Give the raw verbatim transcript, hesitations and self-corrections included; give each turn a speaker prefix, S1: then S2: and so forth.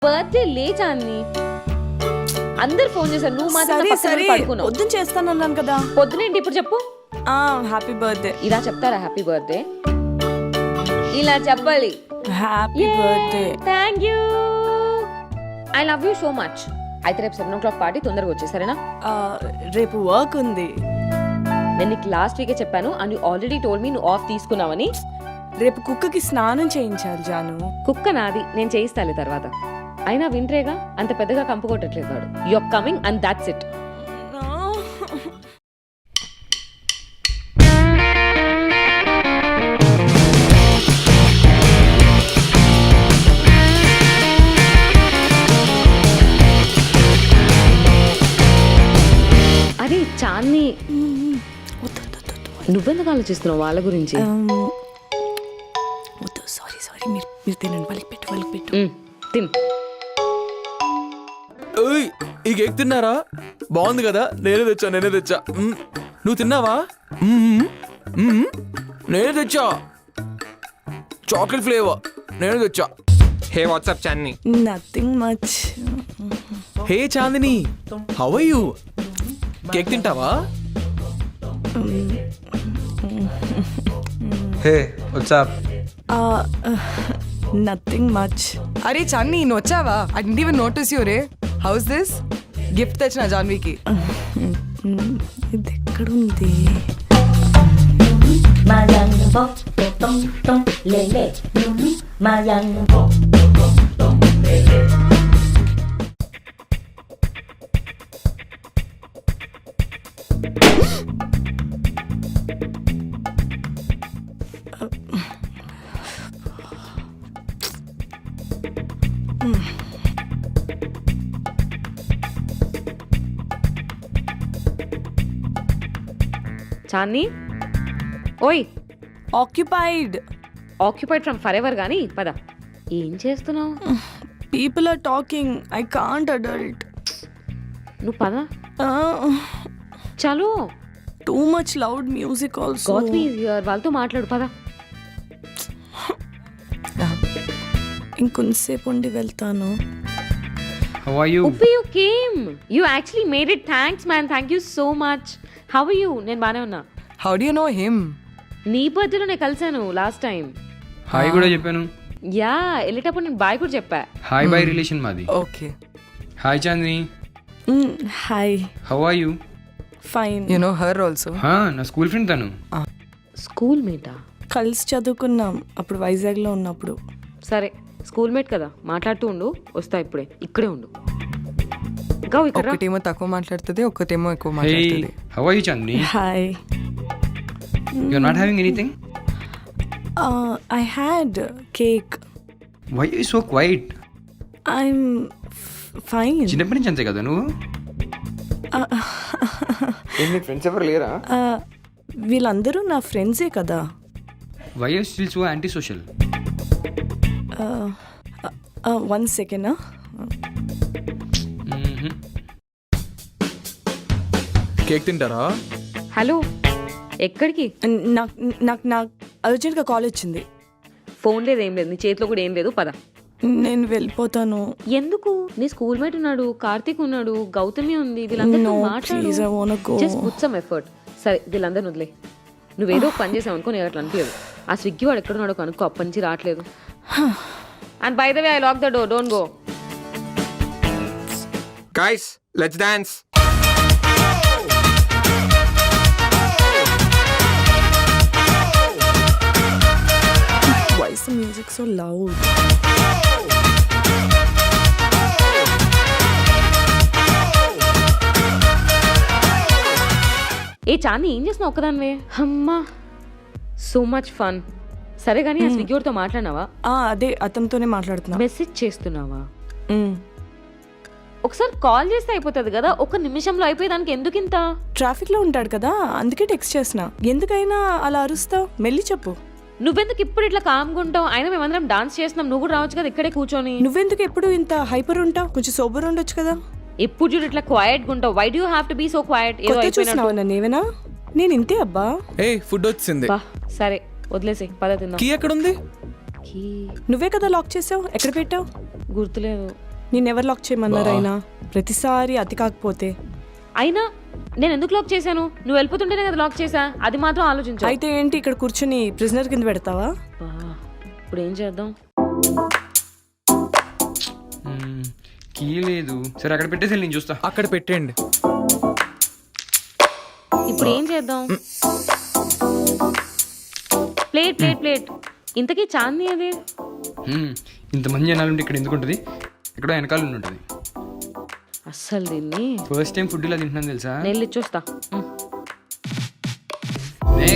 S1: Birthday లేచాన్ని అందరు phone చేశారు, నువ్వు మాత్రం పడుకున్నావు.
S2: పొద్దున చేస్తానన్నాను కదా.
S1: పొద్దునేంటి ఇప్పుడు చెప్పు?
S2: Happy birthday.
S1: ఇలా చెప్తారా హ్యాపీ బర్త్డే? ఇలా చెప్పాలి.
S2: Happy birthday.
S1: Thank you. I love you so much. అయితే రేపు సెవెన్ ఓ క్లాక్ పార్టీ తొందరగా వచ్చేసరేనా?
S2: రేపు వర్క్ ఉంది.
S1: నేను నీకు లాస్ట్ వీకే చెప్పాను and you already told me నువ్వు ఆఫ్ తీసుకున్నావని.
S2: రేపు కుక్కకి స్నానం చేయించాలి జాను.
S1: కుక్క నాది, నేను చేయిస్తాలే తర్వాత. అయినా వింట్రేగా, అంత పెద్దగా కంపు కొట్టట్లేదు వాడు. You are coming and that's it. అరే చాన్ని, నువ్వెందుకు ఆలోచిస్తున్నావు వాళ్ళ గురించి?
S2: సారీ సారీ మీరు మీరు తినండి. వాళ్ళకి పెట్టు వాళ్ళకి పెట్టు.
S1: తిన్.
S3: ఈ కేక్ తిన్నారా? బాగుంది కదా. నేనే తెచ్చా నేనే తెచ్చా నువ్వు తిన్నావా? నేనే తెచ్చా. చాక్లెట్ ఫ్లేవర్ నేనే తెచ్చా.
S4: Hey what's up Chandini.
S2: Nothing much.
S3: Hey Chandini, how are you? Cake తింటావా?
S4: Hey what's up.
S2: Nothing much.
S5: అరే చన్ని నువ్వు వచ్చావా? I didn't even notice you రే. How's this? గిఫ్ట్ తెచ్చిన జాన్వీకి.
S2: ఇది ఎక్కడుంది?
S1: చాన్ని, ఓయ్.
S2: Occupied.
S1: Occupied from forever గానీ పద. ఏం చేస్తున్నావు?
S2: People are talking. I can't adult.
S1: నువ్వు పద. చలో.
S2: Too much loud music also.
S1: Got me here. వాళ్ళతో మాట్లాడు పద.
S2: ఇంకొంతసేపు ఉండి వెళ్తాను.
S4: How are you?
S1: Uppi, you came. You actually made it. Thanks man. Thank you so much. How are you? నేను బానే ఉన్నా.
S5: How do you know him?
S1: నీ బర్త్డేలో నేను కలిసాను లాస్ట్ టైం.
S4: హాయ్ కూడా చెప్పాను.
S1: యా, వెళ్ళేటప్పుడు నేను బాయ్ కూడా చెప్పా.
S4: హాయ్ బాయ్ రిలేషన్ మాది.
S5: Okay.
S4: Hi Chandini.
S2: Hi.
S4: How are you?
S2: Fine.
S5: You know her also?
S4: హా, నా స్కూల్ ఫ్రెండ్ తను.
S1: స్కూల్ మేటా?
S2: కలిసి చదువుకున్నాం అప్పుడు వైజాగ్లో ఉన్నప్పుడు.
S1: సరే, స్కూల్ మేట్ కదా, మాట్లాడుతూ ఉండు. వస్తా ఇప్పుడే. ఇక్కడే ఉండు. గౌ ఇక్కడ.
S5: ఒకటేమో తక్కువ మాట్లాడుతుంది, ఒకటేమో ఎక్కువ
S4: హే,
S5: మాట్లాడుతుంది.
S4: How are you Chandini?
S2: Hi.
S4: You are not having anything?
S2: I had cake.
S4: Why you so quiet?
S2: I'm fine.
S4: చిన్నప్పటి నుంచి అంతే కదా నువ్వు? మీ ఫ్రెండ్స్ ఎవరు లేరా?
S2: వీళ్ళందరూ నా ఫ్రెండ్సే కదా.
S4: Why you still so antisocial?
S2: One second.
S3: Cake తింటారా?
S1: హలో, ఎక్కడికి?
S2: నాకు నాకు నాకు అర్జెంట్గా కాల్ వచ్చింది.
S1: ఫోన్ లేదు, ఏం లేదు, నీ చేతిలో కూడా ఏం లేదు. పద.
S2: నేను వెళ్ళిపోతాను.
S1: ఎందుకు? నీ స్కూల్ మేట్ ఉన్నాడు, కార్తీక్ ఉన్నాడు, గౌతమి ఉంది. వీళ్ళందరితో ఎఫర్ట్. సరే, వీళ్ళందరిని వదిలే. నువ్వేదో పని చేసావు అనుకో, నేను అట్లా అనిపించదు. ఆ స్విగ్గీ వాడు ఎక్కడున్నాడో కనుక్కో, అప్పటి నుంచి రావట్లేదు. And by the way, I lock the door, don't go.
S4: Guys, let's dance.
S2: Why is the music so loud?
S1: ఏ చాంది, ఏం చేస్తున్నావు ఒక్కదానివే? అమ్మా, సో మచ్ ఫన్. సరే కానీ ఆ స్విగ్గీ వాడితో మాట్లాడినావా?
S2: అదే అతనితోనే మాట్లాడుతున్నా.
S1: మెసేజ్ చేస్తున్నావా? ఒకసారి కాల్ చేస్తే అయిపోతుంది కదా. ఒక నిమిషంలో అయిపోయేదానికి ఎందుకు ఇంత?
S2: ట్రాఫిక్ లో ఉంటాడు కదా, అందుకే టెక్స్ట్ చేసిన. ఎందుకైనా అలా అరుస్తావు? మెల్లి చెప్పు.
S1: నువ్వెందుకు ఇప్పుడు ఇట్లా కామ్గుంటావు? అయినా మేమందరం డాన్స్ చేస్తున్నాం, నువ్వు కూడా రావచ్చు కదా ఇక్కడే కూర్చొని.
S2: నువ్వెందుకు ఎప్పుడు ఇంత హైపర్ ఉంటావు? కొంచెం సోబర్ ఉండొచ్చు కదా.
S1: ఎప్పుడు చూడు ఇట్లా క్వైట్ గా ఉంటావు. Why do you have to be so quiet? ఏదో అయిపోయినావు.
S2: నన్ను ఏమైనా నేను ఇంతే అబ్బా.
S3: ఏ ఫుడ్ వచ్చింది.
S1: సరే వదిలేసి పద తిందాం.
S3: కీ ఎక్కడ ఉంది?
S2: నువ్వే కదా లాక్ చేసావు. ఎక్కడ పెట్టావు?
S1: గుర్తులేదు.
S2: నిన్నెవరు లాక్ చేయమన్నారు అయినా ప్రతిసారి అతి కాకపోతే.
S1: అయినా నేను ఎందుకు లాక్ చేశాను? నువ్వు వెళ్ళిపోతుంటేనే కదా లాక్ చేశా. అది మాత్రం ఆలోచించు.
S2: అయితే ఏంటి ఇక్కడ కూర్చుని ప్రిజనర్ కింద పెడతావా?
S1: బా, ఇప్పుడు ఏం చేద్దాం?
S4: కీ లేదు. సరే అక్కడ పెట్టేసి నేను చూస్తా.
S3: అక్కడ పెట్టేయండి.
S1: ఇప్పుడు ఏం చేద్దాం? Plate plate plate. ఇంతకీ చాందీ అది?
S4: మ్మ్. ఇంతమంది జనాలు ఉంటే ఇక్కడ ఎందుకు ఉంటుంది? ఎక్కడో వెనకాల ఉండి ఉంటుంది.
S1: అస్సలు దీన్ని
S4: ఫస్ట్ టైం ఫుడ్ ఇలా తింటున్నాను తెలుసా?
S1: నేను ఇచ్చొస్తా.